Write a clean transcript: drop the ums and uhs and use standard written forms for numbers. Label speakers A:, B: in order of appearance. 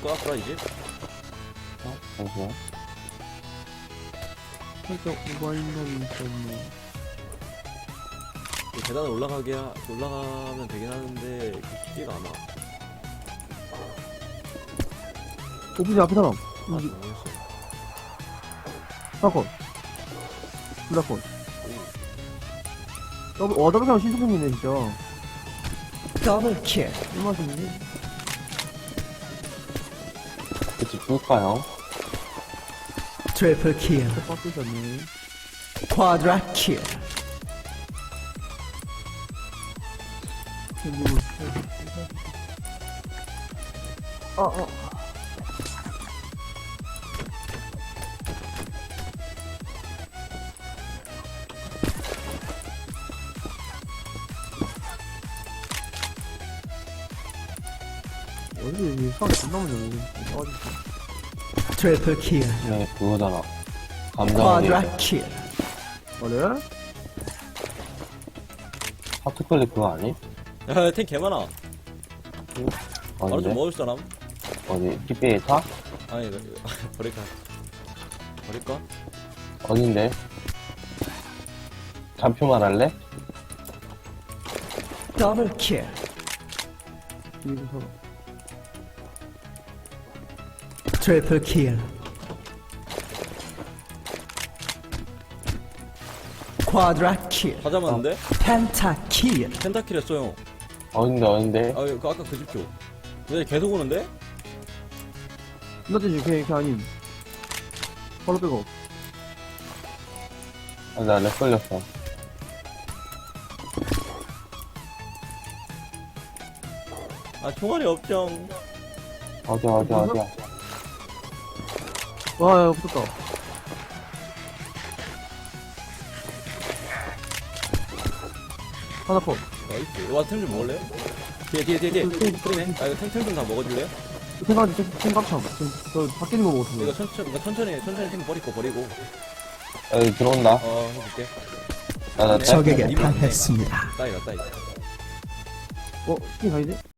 A: 쏴, 이제?
B: 잠시만.
C: 살짝 오바인감이 있었네.
A: 계단을 올라가면 되긴 하는데, 쉽지가 않아.
C: 오피스 앞에 사람.
A: 아, 모르겠어.
C: 사건. 블라콘. 더블 사람 신속행이네, 진짜.
D: 더블킬.
C: 꿀맛인데?
B: 그치, 죽을까요?
D: 트리플킬.
C: 빡빡이셨네.
D: 쿼드라킬.
C: 그리고, 어디, 여기 사람 존나 많네, 여기.
D: 트리플킬.
B: 네, 그거잖아. 감정이
D: 쿼드라킬.
C: 그래?
B: 하트클릭 그거 아니?
A: 야, 탱 개많아. 바로 좀
B: 어딘데?
A: 먹을 사람?
B: 어디? TPA 타?
A: 아니, 이거, 버릴까? 버릴까?
B: 어딘데? 잠표만 할래?
D: 더블킬.
C: 뒤에서 사람.
D: 트리플킬. 쿼드라킬.
A: 다 잡았는데?
D: 펜타킬.
A: 펜타킬 했어요.
B: 어딘데?
A: 아, 그 아까 그 집죠. 근데 계속 오는데?
C: 나대지, 걔 아님. 바로 빼고.
B: 아, 나렉 걸렸어.
A: 아, 총알이 없정.
B: 어디야?
C: 와, 야, 붙었다. 하나 컷.
A: 나이스. 와, 템 좀 먹을래요? 뒤에. 프리네. 아, 이거 템 좀 다 먹어줄래요?
C: 생각참. 저, 밖에 있는 거 먹었어.
A: 이거 천천히 템 버리고.
B: 여기 들어온다.
A: 해줄게.
B: 나
D: 적에게
A: 이분
D: 당했습니다.
A: 따이다.
C: 어, 스킨 가이지?